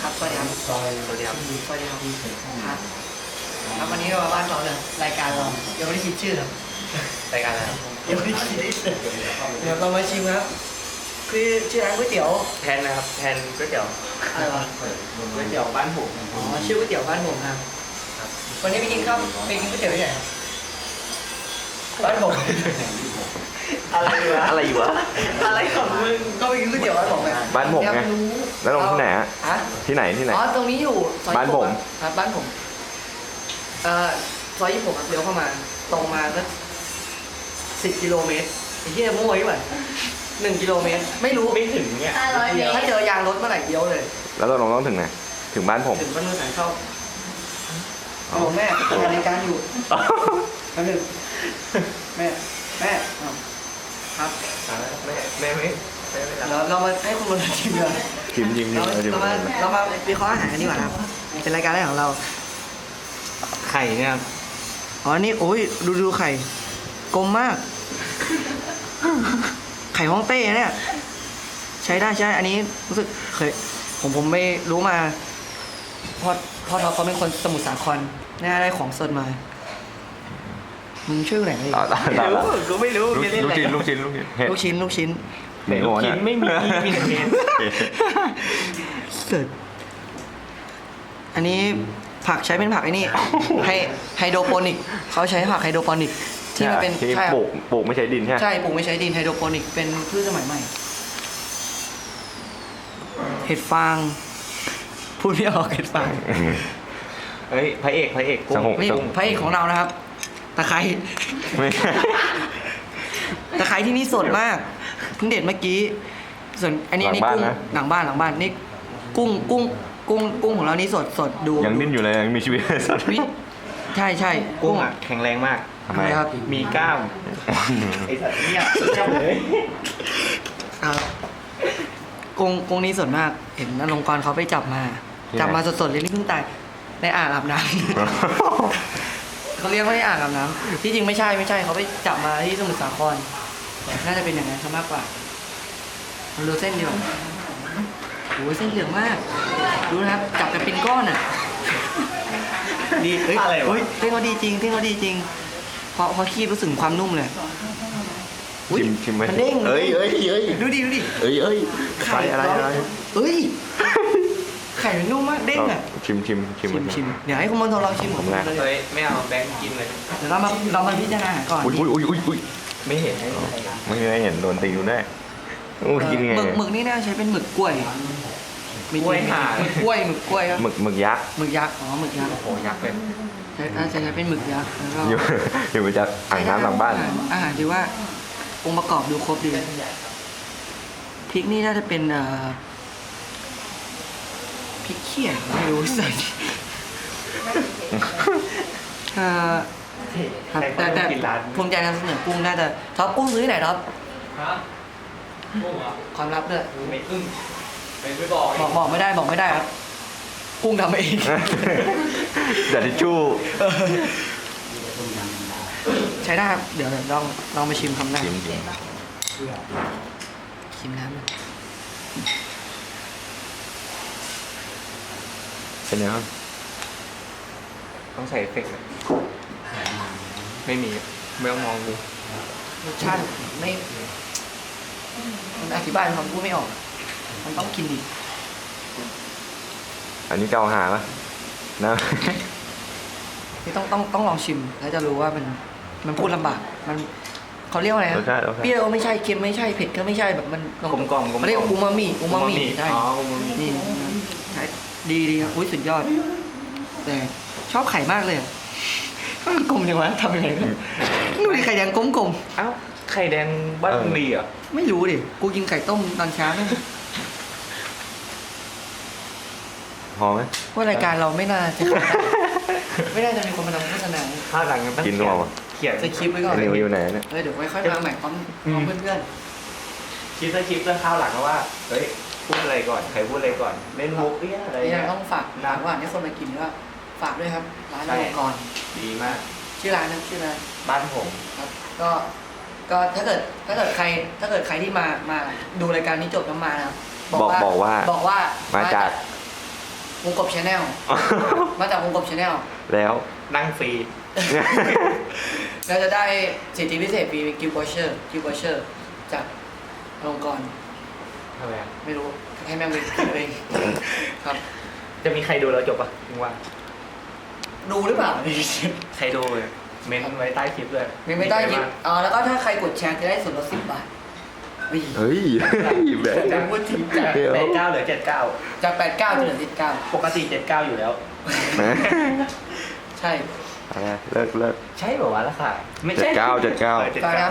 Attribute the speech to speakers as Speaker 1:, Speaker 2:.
Speaker 1: ครับสวัสดีครับสวัสดีครับสวัสดีครับครับครับวันนี้เรามาบ้านเราเลยรายการเรายังไม่ได้คิดชื่อครับ
Speaker 2: รายการอะไรครับ
Speaker 1: ยังไม่ได้คิดเดี๋ยวเรามาชิมครับคือชื่อร้านก๋วยเตี๋ยว
Speaker 2: แทนนะครับแทนก๋วยเตี๋ยว
Speaker 1: อะไรวะ
Speaker 2: ก๋วยเตี๋ยวบ้านผม
Speaker 1: อ๋อชื่อก๋วยเตี๋ยวบ้านผมครับวันนี้ไปกินข้าวไปกินก๋วยเตี๋ยวที่ไหนครับบ้านผม อะไรวะ
Speaker 2: อะไรอยู่วะ
Speaker 1: อะไรของมึงก็ไปกินก๋วยเตี๋ยวบ้านผมไง
Speaker 3: บ้านผมไง
Speaker 1: อยกรู้
Speaker 3: แล้วลงที่ไหนฮะ
Speaker 1: ฮะ
Speaker 3: ที่ไหนที่ไหน
Speaker 1: อ๋อตรงนี้อยู่ซอย
Speaker 3: บ้านผม
Speaker 1: ครับบ้านผมซอย26ครับเลี้ยวเข้ามาตรงมาสัก10 กิโลเมตรไอ้ที่มั่วยี่ห้อ1 กิโลเมตรไม่รู้
Speaker 2: ไม่ถึงเนี่ย
Speaker 1: 500 เมตรถ้าเจอยางรถเมื่อไหร่เลี้ยวเลย
Speaker 3: แล้วเราลงต้องถึงไหนถึงบ้านผม
Speaker 1: ถึงบ้านมือสายเข้าโอ้แม่ทำรายการอยู่แป๊บนึงแม่อ้าวครับ
Speaker 2: แม่ไม่รับ
Speaker 1: เรามาให้คุณบนชิมกัน
Speaker 3: ชิมชิมชิม
Speaker 1: เรามาวิเคราะห์อาหารกันดีกว่าครับเป็นรายการแรกของเรา
Speaker 2: ไข่เนี่ย
Speaker 1: อ๋อ นี่โอ้ยดูไข่กลมมาก ไข่ฮ่องเต้เนี่ย ใช้ได้ใช่ อันนี้รู้สึกเคยผมไม่รู้มาพ่อท็อปเขาเป็นคนสมุทรสาครน่าได้ของสดมา มึงช่วยกูหน่อยดิ
Speaker 2: ไม่รู้กูไม่รู้
Speaker 3: ลูกชิ้นลูกชิ้นลูกชิ้นเห็ด
Speaker 1: ลูกชิ้น
Speaker 3: หมู
Speaker 2: ลูก
Speaker 3: เนี่
Speaker 2: ชิ้
Speaker 3: ย
Speaker 2: นไม่มีมีแต่เห็ด
Speaker 1: เสร็จอันนี้ผักใช้เป็นผักไอ้นี่ไฮโดรโปนิกเขาใช้ผักไฮโดรโปนิกที่มันเป็น
Speaker 3: ที่
Speaker 1: ใช่ครับ
Speaker 3: ปลูกไม่ใช้ดินใช่ไหม
Speaker 1: ใช่ปลูกไม่ใช้ดินไฮโดรโปนิกเป็นพืชสมัยใหม่ เห็ดฟางพูดไม่ออกเห็ดฟาง
Speaker 2: เฮ้ยพระเอกกุ้
Speaker 3: สง
Speaker 2: ง
Speaker 3: บ
Speaker 1: นี่พระเอกของเรานะครับตะไคร้
Speaker 3: ไม่
Speaker 1: ตะไคร้ที่นี่สดมากเพิ่งเด็ดเมื่อกี้ส่วนอันนี้นี่กุ้งหลังบ้านนี่กุ้งของเรานี่สดดู
Speaker 3: ยังดิ้นอยู่เลยยังมีชีวิตสัตว์
Speaker 1: วิใช่
Speaker 2: กุ้งอ่ะแข็งแรงมาก
Speaker 3: ทำไม
Speaker 1: ครับ
Speaker 2: มีกล้ามไอ้สัตว์เนี่ยสุดยอดเลย
Speaker 1: กุ้งนี้สดมากเห็นนรงค์กรเขาไปจับมาสดๆเลยนี่เพิ่งตายในอ่างอาบน้ำ เขาเรียกว่าในอ่างอาบน้ำที่จริงไม่ใช่เขาไปจับมาที่สมุทรสาครน่าจะเป็นอย่างนั้นซะมากกว่าเราดูเส้นดีกว่าโอ้ยเส้นเหลืองมากดูนะครับจับกันเป็นก้อนอ่ะดีเฮ้ย
Speaker 2: อะไรวะ
Speaker 1: เฮ้ยเส้นเขาดีจริงพอคีบรู้สึกถึงความนุ่มเลยอุ๊ย
Speaker 3: ชิมไหม
Speaker 1: มันเด้ง
Speaker 3: เอ้ย
Speaker 1: ดูดิ
Speaker 3: เอ้ยไข่อะไร
Speaker 1: เฮ้ยไข่มันนุ่มมากเด้งอ่ะ
Speaker 3: ชิม
Speaker 1: ชิมเดี๋ยวให้คุณมณฑลลองชิม
Speaker 3: ผมแรก
Speaker 1: เลย
Speaker 2: เฮ้ยไม่เอาแบงค์กินเลย
Speaker 1: เดี๋ยวเรามาพิจารณาก่อน
Speaker 3: อุ้ย
Speaker 2: ไม่เห็น
Speaker 3: ไม่เคยเห็นโดนตีดูแน่กินไง
Speaker 1: หมึกนี่น่าใช้เป็นหมึกกล้วย
Speaker 2: กล้วยห่า
Speaker 1: หมึกกล้วยครับ
Speaker 3: หมึกยักษ์
Speaker 1: หมึกยักษ์หมึกยักษ์
Speaker 2: โอ้ยักษ์เลย
Speaker 1: น่าจะใช้เป็นหมึกยักษ์แล้วก็
Speaker 3: อยู่มาจากอ่างน้ำหลังบ้าน
Speaker 1: อาหารถือว่าองค์ประกอบดูครบดีพริกนี่น่าจะเป็นพริกเขียวไม่รู้ใส่ครับแต่ภูมิใจนำเสนอกุ้งน่าจะท็อปกุ้งซื้อที่ไหนท็อป
Speaker 2: ครับกุ้งเหรอ
Speaker 1: ความลับด้วย
Speaker 2: ไม่อึ้งไม่บอก
Speaker 1: บอกไม่ได้ครับกุ้งทำเอง
Speaker 3: แต่ทิชชู่
Speaker 1: ใช้ได้ครับเดี๋ยวลองมาชิมคำแรก
Speaker 3: ชิม
Speaker 1: ชิมน้ำหน่อย
Speaker 3: เป็นไงบ้าง
Speaker 2: ต้องใส่เอฟเฟกต์ไหมไม่มีไม่ต้องมองดู
Speaker 1: รสชาติไม่มันอธิบายคำพูดไม่ออก มันต้องกินดิ
Speaker 3: อันนี้เกาหาปะนะ
Speaker 1: นี่ต้องลองชิมแล้วจะรู้ว่ามันพูดลำบากมันเขาเรียกว่าอะไร
Speaker 3: รสชาติ
Speaker 1: เปรี้ยวไม่ใช่เค็มไม่ใช่เผ็ดก็ไม่ใช่แบบมัน
Speaker 2: กลมกล่อม
Speaker 1: เขาเรียกอูมามิใช่
Speaker 2: อ๋ออูมามิ
Speaker 1: นี่ใช่ดีครับอุ้ยสุดยอด แต่ชอบไข่มากเลยอะกลมจังวะทำยังไงกันดูดิไข่แดงกลม
Speaker 2: เอ้าไข่แดงบ้านมึงดีเหรอ
Speaker 1: ๆไม่รู้ดิกูกินไก่ต้มตอนเช้าเนี่ย
Speaker 3: พอไหม
Speaker 1: ว่ารายการเราไม่น่าจะไม่น่าจะมีคนมาทำโฆษณา
Speaker 2: ข้าวหลังมันต้อง
Speaker 3: กินหรือเปล่าวะ
Speaker 2: เขียน
Speaker 1: จะคลิปไว้ก่อน
Speaker 3: นิวอยู่ไหนเนี่ย
Speaker 1: เดี๋ยวค่อยมาใหม่พร้อมเพื่อน
Speaker 2: คิดซะคลิปแล้วข้าวหลังว่าเฮ้ยพูดอะไรก่อนใครพูดอะไรก่อนเล่นมุกเอี้ยอะไร
Speaker 1: ๆนี่
Speaker 2: เงี้ย
Speaker 1: ต้องฝากว่าให้คนมากินก็ฝากด้วยครับร้านนรงค์กร
Speaker 2: ดีมาก
Speaker 1: ชื่อร้านนะชื่อร้าน
Speaker 2: บ้านผม
Speaker 1: ครับก็ถ้าเกิดใครที่มาดูรายการนี้จบแล้วมานะครับ
Speaker 3: บอกว่า
Speaker 1: บอกว่า
Speaker 3: มาจาก
Speaker 1: วงกบชาแนลมาจากวงกบชาแนล
Speaker 3: แล้ว
Speaker 2: นั่งฟรี
Speaker 1: เราจะได้สิทธิพิเศษฟรีกิฟต์วอเชอร์จากอลงกรณ์
Speaker 2: ทำไมอะ
Speaker 1: ไม่รู้ให้แม่งไปคิดเอาเองครับ
Speaker 2: จะมีใครดูแล้วจบปะมึงว่า
Speaker 1: ดูหรือเปล่า
Speaker 2: ใครดูเลยเม้นไว้ใต้คลิปเลย
Speaker 1: ไม่ได้ยิบแล้วก็ถ้าใครกดแชร์จะได้ส่วนลด10 บาท
Speaker 3: เฮ้ยแบ
Speaker 1: จะ
Speaker 3: บ
Speaker 1: พูดถึงจาก
Speaker 3: เดี๋ยว
Speaker 2: 89เหลือ79
Speaker 1: จาก89จะเหลือ19
Speaker 2: ปกติ79อยู่แล้ว
Speaker 1: ใช่
Speaker 3: อะไรเลิก
Speaker 2: ใช่แบบว่าวะราคาไม่ใช่
Speaker 3: 79
Speaker 2: ออ
Speaker 1: ตอนนี้